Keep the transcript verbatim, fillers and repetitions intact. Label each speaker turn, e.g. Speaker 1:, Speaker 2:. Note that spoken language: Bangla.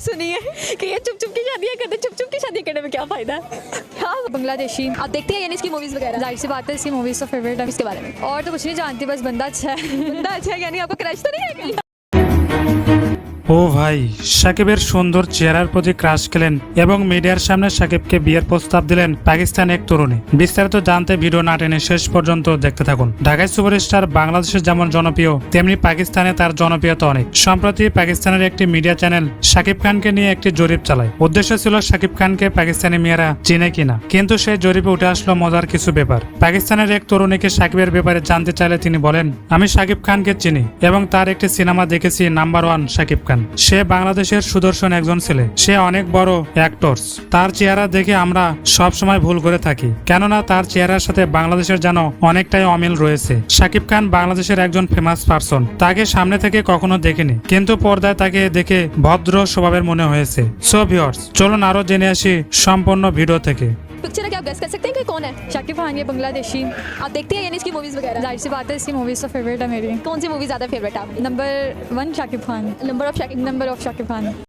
Speaker 1: सुनी है कि ये चुप चुप की शादियाँ करते, चुप चुप की शादी करने में क्या फ़ायदा। हाँ, बांग्लादेशी आप देखते हैं यानी इसकी मूवीज़ वगैरह? जाहिर सी बात है इसकी मूवीज़ तो फेवरेट है। इसके बारे में और तो कुछ नहीं जानती, बस बंदा अच्छा है। बंदा अच्छा है यानी आपको क्रश तो नहीं है कहीं?
Speaker 2: ও ভাই, সাকিবের সুন্দর চেহারার প্রতি ক্রাশ খেলেন এবং মিডিয়ার সামনে সাকিবকে বিয়ের প্রস্তাব দিলেন পাকিস্তান এক তরুণী। বিস্তারিত জানতে ভিডিও না টেনে শেষ পর্যন্ত দেখতে থাকুন। ঢাকায় সুপারস্টার বাংলাদেশে যেমন জনপ্রিয়, তেমনি পাকিস্তানে তার জনপ্রিয়তা অনেক। সম্প্রতি পাকিস্তানের একটি মিডিয়া চ্যানেল সাকিব খানকে নিয়ে একটি জরিপ চালায়। উদ্দেশ্য ছিল সাকিব খানকে পাকিস্তানি মেয়েরা চিনে কিনা, কিন্তু সেই জরিপে উঠে আসলো মজার কিছু ব্যাপার। পাকিস্তানের এক তরুণীকে সাকিবের ব্যাপারে জানতে চাইলে তিনি বলেন, আমি সাকিব খানকে চিনি এবং তার একটি সিনেমা দেখেছি, নাম্বার ওয়ান সাকিব খান। সে বাংলাদেশের সুদর্শন একজন ছেলে, সে অনেক বড় অ্যাক্টরস। তার চেহারা দেখে আমরা সব সময় ভুল করে থাকি, কেননা তার চেহারার সাথে বাংলাদেশের যেন অনেকটাই অমিল রয়েছে। সাকিব খান বাংলাদেশের একজন ফেমাস পারসন, তাকে সামনে থেকে কখনো দেখিনি, কিন্তু পর্দায় তাকে দেখে ভদ্র স্বভাবের মনে হয়েছে। সো ভিউয়ার্স, চলুন আরো জেনে আসি সম্পূর্ণ ভিডিও থেকে।
Speaker 1: पिक्चर है क्या आप गेस कर सकते हैं कि कौन है? शाकिब खान ये बांग्लादेशी आप देखते हैं यानी इसकी मूवीज़ वगैरह? जाहिर सी बात है इसकी मूवीज़ तो फेवरेट है मेरी। कौन सी मूवी ज़्यादा फेवरेट है आपकी? Number one Shakib Khan. Number of Shakib number of Shakib Khan.